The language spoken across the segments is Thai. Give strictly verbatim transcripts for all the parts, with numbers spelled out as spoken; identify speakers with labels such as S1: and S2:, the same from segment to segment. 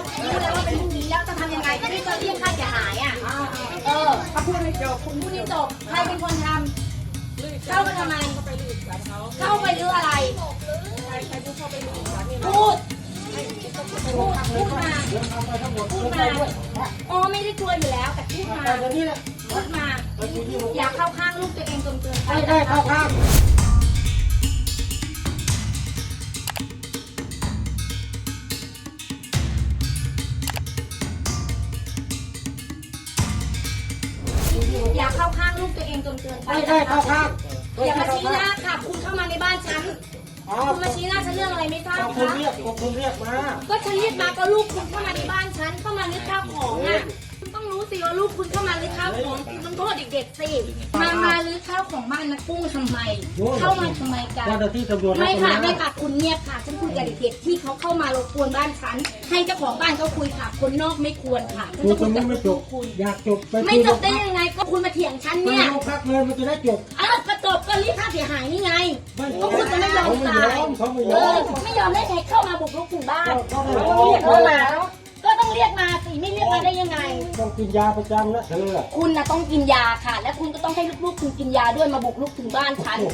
S1: รู้แล้วว่าเป็นพรุ่งนี้แล้วจะทำยังไงก็ที่จะเรียกค่าเสียหายอ่ะเออถ้าพูดไม่จบคุณพูดไม่จบใครเป็นคนทำเข้ามาทำไมเข้าไปรื้ออะไรพูดพูดพูดมาพูดมาอ๋อไม่ได้กลัวอยู่แล้วแต่พูดมาพูดมาอย่าเข้าข้างลูกตัวเองจนเกินไปไม่ได้เข้าข้างอย่าเข้าข้างลูกตัวเองจนเกินไปไม่ได้เข้าข้างอย่ามาชี้หน้าค่ะคุณเข้ามาในบ้านฉันคุณมาชี้หน้าฉันเรื่องอะไรไม่ทราบคะคุณเรียกคุณเรียกมาก็ฉันเรียกมาก็ลูกคุณเข้ามาในบ้านฉันเข้ามาลึกข้าวของอ่ะคุณต้องรู้สิว่าลูกคุณเข้ามาลึกข้าวของคุณต้องโทษเด็กๆสิมามาลึกข้าวของบ้านนะกุ้งทำไมเข้ามาทำไมกันไม่ค่ะไม่ค่ะคุณเงียบค่ะฉันคุยกับเด็กๆที่เขาเข้ามารบกวนบ้านฉันให้เจ้าของบ้านเขาคุยค่ะคนนอกไม่ควรค่ะฉันจะคุยกับลูกคุณ
S2: อยากจบ
S1: ไม่จบได้ยังไงก็คุณมาเถียงฉันเนี่ย
S2: ไม่พักเลยมันจะได้จบ
S1: อ้าวก็จบก็รีบค่าเสียหายนี่ไงก็คุณจะไม่ยอมตายเออไม่ยอมได้ใครเข้ามาบุกรุกถึงบ้านเรียกเข้ามาก็ต้องเรียกมาสิไม่เรียกมาได้ยังไง
S2: ต้องกินยาประจำนะเธอ
S1: คุณนะต้องกินยาค่ะและคุณก็ต้องให้ลูกๆคุณกินยาด้วยมาบุกรุกถึงบ้านฉัน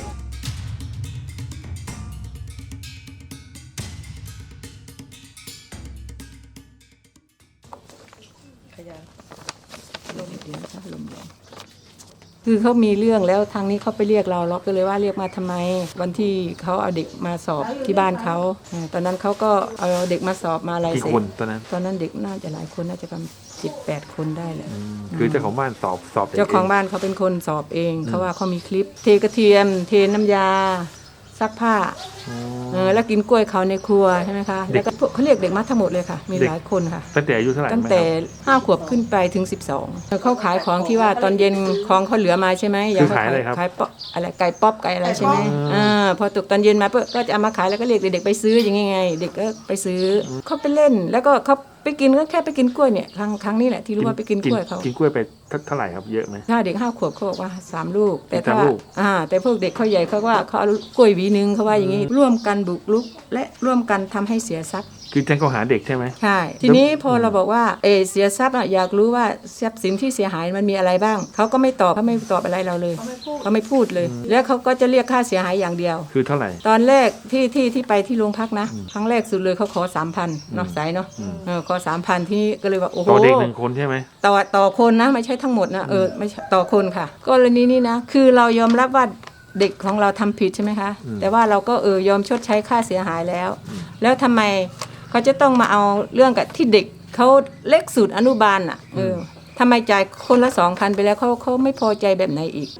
S3: คือเขามีเรื่องแล้วทางนี้เขาไปเรียกเราเราก็เลยว่าเรียกมาทำไมวันที่เขาเอาเด็กมาสอบที่บ้านเขาตอนนั้นเขาก็เอาเด็กมาสอบมาอะไรเสร็จ
S4: กี่คนตอนนั้น
S3: ตอนนั้นเด็กน่าจะหลายคนน่าจะประมาณสิบแปดคนได้แหละ
S4: คือเจ้าของบ้านสอบสอบ
S3: เจ้าของบ้านเขาเป็นคนสอบเองเขาว่าเขามีคลิปเทกระเทียมเทน้ำยาซักผ้าเออแล้วกินกล้วยเขาในครัวใช่ไหมคะแล้วก็เขาเรียกเด็กมาทั้งหมดเลยค่ะมีหลายคนค่ะ
S4: ตั้งแต่อายุเท่าไหร่
S3: ตั้งแต่ห้าขวบขึ้นไปถึงสิบสองเขาขายของที่ว่าตอนเย็นของเขาเหลือมาใช่ไหม
S4: คือขายอะไรครับ
S3: ขายป๊อปอะไรไก่ป๊อปไก่อะไรใช่ไหมอ่าพอตกตอนเย็นมาเพื่อก็จะเอามาขายแล้วก็เรียกเด็กๆไปซื้ออย่างไงเด็กก็ไปซื้อเขาไปเล่นแล้วก็เขาไปกินก็แค่ไปกินกล้วยเนี่ยครั้งครั้งนี้แหละที่รู้ว่าไปกินกล้วยเขา
S4: กินกล้วยไปเท่าไหร่ครับเยอะไหม
S3: ถ้าเด็กห้าขวบเขาบอกว่าสามลูกแต่ถ้าอ่าแต่พวกเด็กเขาใหญ่เขาว่าเขาเอากล้วยหวีนึงเขาว่าอย่างนี้ร่วมกันบุกรุกและร่วมกันทำให้เสียทรัพย์
S4: คือแจ้งข้อหาเด็กใช่ไหม
S3: ใช่ทีนี้พอเราบอกว่าเอเสียทรัพย์อ่ะอยากรู้ว่าทรัพย์สินที่เสียหายมันมีอะไรบ้างเขาก็ไม่ตอบเขาไม่ตอบอะไรเราเลยเขาไม่พูดเลยแล้วเขาก็จะเรียกค่าเสียหายอย่างเดียว
S4: คือเท่าไหร่
S3: ตอนแรกที่ที่ที่ไปที่โรงพักนะครั้งแรกสุดเลยเขาขอสามพันเนาะสายเนาะเออขอสามพันที่ก็เลยว่าโอ้โห
S4: ต่อเด็กหนึ่งคนใช่ไหม
S3: ต่อต่อคนนะไม่ใช่ทั้งหมดนะเออไม่ต่อคนค่ะกรณีนี้นะคือเรายอมรับว่าเด็กของเราทำผิดใช่ไหมคะแต่ว่าเราก็เออยอมชดใช้ค่าเสียหายแล้วแล้วทำไมเขาจะต้องมาเอาเรื่องกับที่เด็กเขาเล็กสุดอนุบาลอ่ะเออทำไมจ่ายคนละสองพันไปแล้วเขาเขาไม่พอใจแบบไหนอีก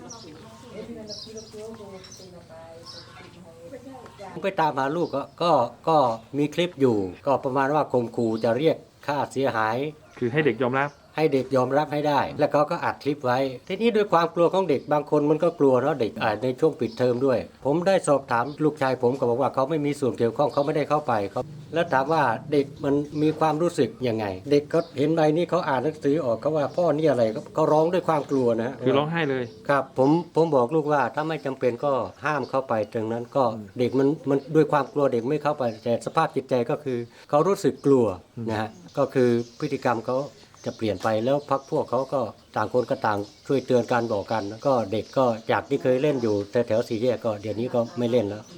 S2: ไปตามหาลูกก็ก็ก็มีคลิปอยู่ก็ประมาณว่าข่มขู่จะเรียกค่าเสียหาย
S4: คือให้เด็กยอมรับ
S2: ให้เด็กยอมรับให้ได้แล้วเขาก็อัดคลิปไว้ทีนี้ด้วยความกลัวของเด็กบางคนมันก็กลัวเนาะเด็กอาจในช่วงปิดเทอมด้วยผมได้สอบถามลูกชายผมก็บอกว่าเขาไม่มีส่วนเกี่ยวข้องเขาไม่ได้เข้าไปเขาแล้วถามว่าเด็กมันมีความรู้สึกยังไงเด็กเขาเห็นใบนี้เขาอ่านหนังสือออกเขาว่าพ่อนี่อะไรเขาร้องด้วยความกลัวนะ
S4: คือร้องไห้เลย
S2: ครับผมผมบอกลูกว่าถ้าไม่จำเป็นก็ห้ามเข้าไปตรงนั้นก็เด็กมันมันด้วยความกลัวเด็กไม่เข้าไปแต่สภาพจิตใจก็คือเขารู้สึกกลัวนะฮะก็คือพฤติกรรมเขาจะเปลี่ยนไปแล้วพักพวกเขาก็ต่างคนก็ต่างช่วยเตือนกันบอกกันก็เด็กก็จากที่เคยเล่นอยู่แต่แถวสี่แยกก็เดี๋ยวนี้ก็ไม่เล่นแล้ว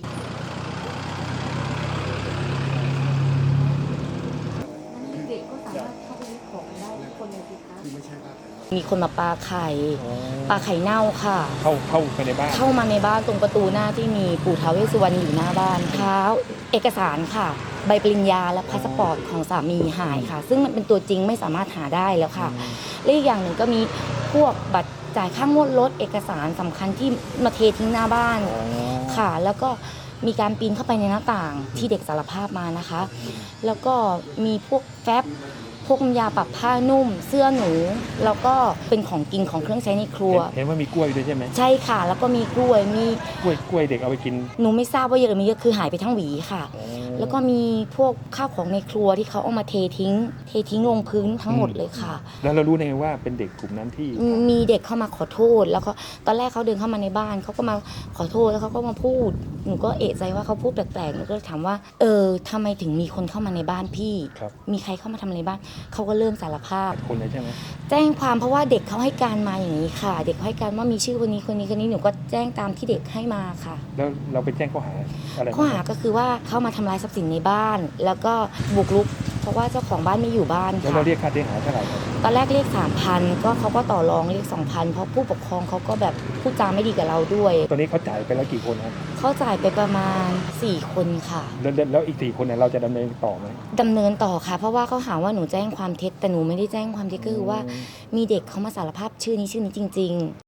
S5: มีคนมาปาไข่ปาไข่เน่าค่ะ
S4: เข้าเข้าไปในบ้าน
S5: เข้ามาในบ้านตรงประตูหน้าที่มีปู่ท้าวเวสสุวรรณอยู่หน้าบ้านเท้าเอกสารค่ะใบปริญญาและพาสปอร์ตของสามีหายค่ะซึ่งมันเป็นตัวจริงไม่สามารถหาได้แล้วค่ะและอีกอย่างหนึ่งก็มีพวกบัตรจ่ายค่างวดรถเอกสารสำคัญที่มาเททิ้งหน้าบ้านค่ะแล้วก็มีการปีนเข้าไปในหน้าต่างที่เด็กสารภาพมานะคะแล้วก็มีพวกแฟ้มพวกน้ำยาปรับผ้านุ่ม เสื้อหนูแล้วก็เป็นของกินของเครื่องใช้ในครัว
S4: เห็นว่ามีกล้วยด้วยใช่ไหม
S5: ใช่ค่ะ แล้วก็มีกล้วยมี
S4: กล้วยกล้วยเด็กเอาไปกิน
S5: หนูไม่ทราบว่าเยอะหรือไม่เยอะคือหายไปทั้งหวีค่ะ แล้วก็มีพวกข้าวของในครัวที่เขาเอามาเททิ้ง เททิ้งลงพื้นทั้งหมดเลยค่ะ
S4: แล้วเรารู้ได้ไงว่าเป็นเด็กกลุ่มนั้นที่
S5: มีเด็กเข้ามาขอโทษ แล้วก็ตอนแรกเขาเดินเข้ามาในบ้านเขาก็มาขอโทษแล้วเขาก็มาพูด หนูก็เอะใจว่าเขาพูดแปลกๆหนูก็เลยถามว่าเออทำไมถึงมีคนเข้ามาในบ้านพี่
S4: ครับ
S5: มีใครเข้ามาทำในบ้านเขาก็เริ่มสารภาพ
S4: คนเลยใช่ไหม
S5: แจ้งความเพราะว่าเด็กเขาให้การมาอย่างนี้ค่ะ เด็กเขาให้การว่ามีชื่อคนนี้คนนี้คนนี้หนูก็แจ้งตามที่เด็กให้มาค่ะ
S4: แล้วเราไปแจ้งข้อหาอะไร
S5: ข้อหาก็คือว่าเข้ามาทำลายทรัพย์สินในบ้าน แล้วก็บุกรุก เพราะว่าเจ้าของบ้านไม่อยู่บ้าน
S4: แล้ว
S5: ค่ะ
S4: เราเรียกค่าเสียหายเท่าไหร่ครับ
S5: ตอนแรกเรียกสามพันก็เขาก็ต่อรองเรียกสองพันเพราะผู้ปกครองเขาก็แบบพูดจาไม่ดีกับเราด้วย
S4: ตอนนี้เขาจ่ายไปแล้วกี่คนครับ
S5: เขาจ่ายไปประมาณสี่คนค่ะ
S4: แล้วแล้วแล้วอีกสี่คนเนี่ยเราจะดำเนินต่อไหม
S5: ดำเนินต่อค่ะ เพราะว่าเขาหาว่าหนูแจ้งความเท็จแต่หนูไม่ได้แจ้งความเท็จก็คือว่ามีเด็กเขามาสารภาพชื่อนี้ชื่อนี้จริง ๆ